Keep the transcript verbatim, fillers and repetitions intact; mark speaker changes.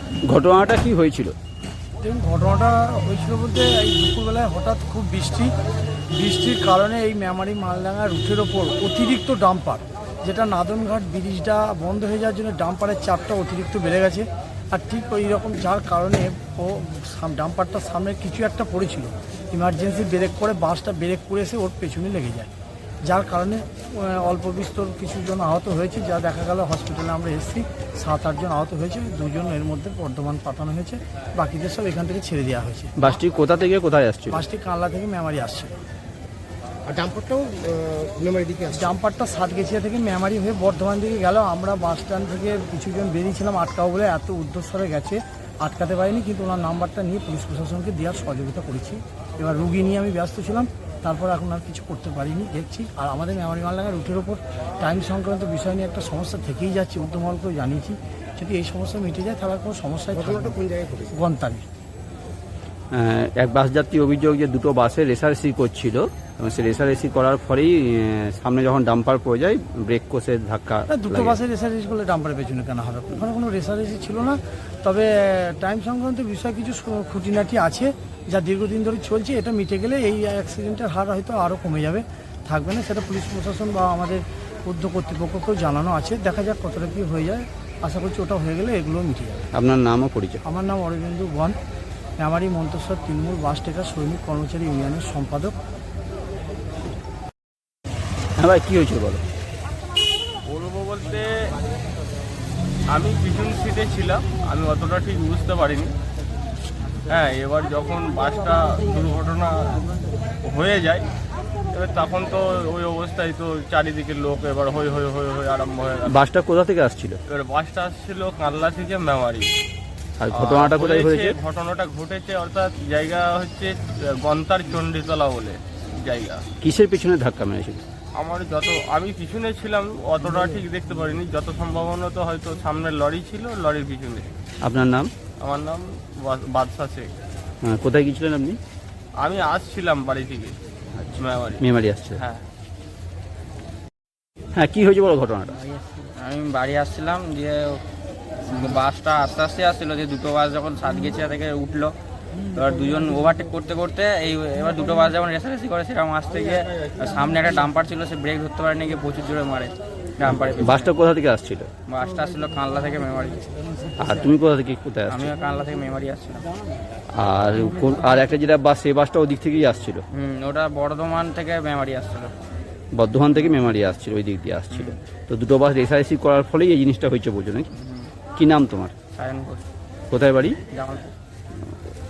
Speaker 1: ঘটনাটা কি হয়েছিল?
Speaker 2: দেখুন, ঘটনাটা হয়েছিল বলতে এই দুপুরবেলায় হঠাৎ খুব বৃষ্টি বৃষ্টির কারণে এই মেমারি মালডাঙ্গা রুটের ওপর অতিরিক্ত ডাম্পার, যেটা নাদনঘাট ব্রিজটা বন্ধ হয়ে যাওয়ার জন্য ডাম্পারের চাপটা অতিরিক্ত বেড়ে গেছে। আর ঠিক ওই রকম যার কারণে ও ডাম্পারটার সামনে কিছু একটা পড়েছিল, ইমার্জেন্সি ব্রেক করে বাসটা ব্রেক করে এসে ওর পেছনে লেগে যায়, যার কারণে অল্প বিস্তর কিছু জন আহত হয়েছে। যা দেখা গেল হসপিটালে আমরা এসেছি, সাত আটজন আহত হয়েছে, দুজন এর মধ্যে বর্ধমান পাঠানো হয়েছে, বাকিদের সব এখান থেকে ছেড়ে দেওয়া হয়েছে।
Speaker 1: বাসটি কোথা থেকে কোথায় আসছিল?
Speaker 2: বাসটি কানলা থেকে মেমারি আসছিল।
Speaker 3: আর ডাম্পারটাও মেমারি দিকে আসছে।
Speaker 2: ডাম্পারটা সাতগেছিয়া থেকে মেমারি হয়ে বর্ধমান দিকে গেল। আমরা বাস স্ট্যান্ড থেকে কিছুজন বেরিয়েছিলাম আটকাও বলে, এত উদ্দেশ্যরে গেছে আটকাতে পারিনি, কিন্তু ওনার নাম্বারটা নিয়ে পুলিশ প্রশাসনকে দেওয়ার সহযোগিতা করেছি। এবার রুগী নিয়ে আমি ব্যস্ত ছিলাম, তারপর এখন আর কিছু করতে পারিনি, দেখছি। আর আমাদের মেমারি মালডাঙ্গা রুটের ওপর টাইম সংক্রান্ত বিষয় নিয়ে একটা সমস্যা থেকেই যাচ্ছে, উদ্যমলকেও জানিয়েছি। যদি এই সমস্যা মিটে যায় তাহলে কোনো সমস্যায়
Speaker 3: ঘটনাটা কোন জায়গায় ঘটেছে?
Speaker 2: গন্তানি।
Speaker 1: এক বাস যাত্রী অভিযোগ যে দুটো বাসে রেসারেসি করছিল এবং সে রেসারেসি করার ফলেই সামনে যখন ডাম্পার পড়ে যায় ব্রেক কষে ধাক্কা।
Speaker 2: দুটো বাসে রেসারেসি করলে ডাম্পারের পেছনে কেন হবে? ওখানে কোনো রেসারেসি ছিল না। তবে টাইম সংক্রান্ত বিষয় কিছু খুঁটিনাটি আছে যা দীর্ঘদিন ধরে চলছে। এটা মিটে গেলে এই অ্যাক্সিডেন্টের হার হয়তো আরও কমে যাবে, থাকবে না। সেটা পুলিশ প্রশাসন বা আমাদের উদ্যোগ কর্তৃপক্ষকেও জানানো আছে। দেখা যাক কতটা কী হয়ে যায়। আশা করছি ওটা হয়ে গেলে এগুলো মিটে যাবে।
Speaker 1: আপনার নামও পরিচয়?
Speaker 2: আমার নাম অরবিন্দু বন, মেমারি মন্তেশ্বর তৃণমূল বাস টেকার শ্রমিক কর্মচারী ইউনিয়নের সম্পাদক।
Speaker 1: হ্যাঁ ভাই, কী হয়েছিল বলো?
Speaker 4: বলবো বলতে আমি পিছন সিটে ছিলাম, আমি অতটা ঠিক বুঝতে পারিনি। হ্যাঁ, এবার যখন বাসটা দুর্ঘটনা হয়ে যায় এবার তখন তো ওই অবস্থায় তো চারিদিকে লোক এবার হই হই হই হই আরম্ভ হয়ে গেল।
Speaker 1: বাসটা কোথা থেকে আসছিল?
Speaker 4: এবার বাসটা আসছিল কানলা থেকে মেমারি।
Speaker 1: আর ঘটনাটা কোথায় হয়েছে?
Speaker 4: ঘটনাটা ঘটেছে অর্থাৎ জায়গা হচ্ছে গন্তার চণ্ডীতলা বলে জায়গা।
Speaker 1: কিসের পিছনে ধাক্কা মেরেছিল?
Speaker 4: আমার যত আমি পিছনে ছিলাম অতটা ঠিক দেখতে পারিনি, যত সম্ভাবনা তো হয়তো সামনে লরি ছিল, লরির পিছনে।
Speaker 1: আপনার নাম?
Speaker 4: আমার নাম বাদশা শেখ।
Speaker 1: কোথায় গিয়েছিলেন আপনি?
Speaker 4: আমি আসছিলাম বাড়ি থেকে মেমারি।
Speaker 1: মেমারি আসছে?
Speaker 4: হ্যাঁ
Speaker 1: হ্যাঁ, কি হয়েছে বলো ঘটনাটা?
Speaker 5: আমি বাড়ি আসছিলাম, দিয়ে বাসটা আস্তে আস্তে আসছিলো, যে দুটো বাস যখন সাতগেছিয়া থেকে উঠলো, এবার দুজন ওভারটেক করতে করতে এই এবার দুটো বাস যখন রেসারেসি করে সেরকম আসতে গিয়ে সামনে একটা ডাম্পার ছিল, সে ব্রেক ধরতে পারেনি, গিয়ে প্রচুর জোরে মারে ডাম্পারে।
Speaker 1: বাসটা কোথা থেকে আসছিল?
Speaker 5: বাসটা আসছিল কানলা থেকে মেমারি।
Speaker 1: আর তুমি কোথা থেকে কোথায় আসছো?
Speaker 5: আমিও কানলা থেকে মেমারি আসছিলাম।
Speaker 1: আর কোন- আর একটা যেটা বাস, সেই বাসটা ওদিক থেকেই আসছিল?
Speaker 5: হুম, ওটা বর্ধমান থেকে মেমারি আসছিল।
Speaker 1: বর্ধমান থেকে মেমারি আসছিল, ওই দিক দিয়ে আসছিল। তো দুটো বাস রেসারেসি করার ফলেই এই জিনিসটা হয়েছে বলছো নাকি? কি নাম তোমার?
Speaker 5: সায়ন ঘোষ,
Speaker 1: কোথায় বাড়ি?
Speaker 5: জামালপুর।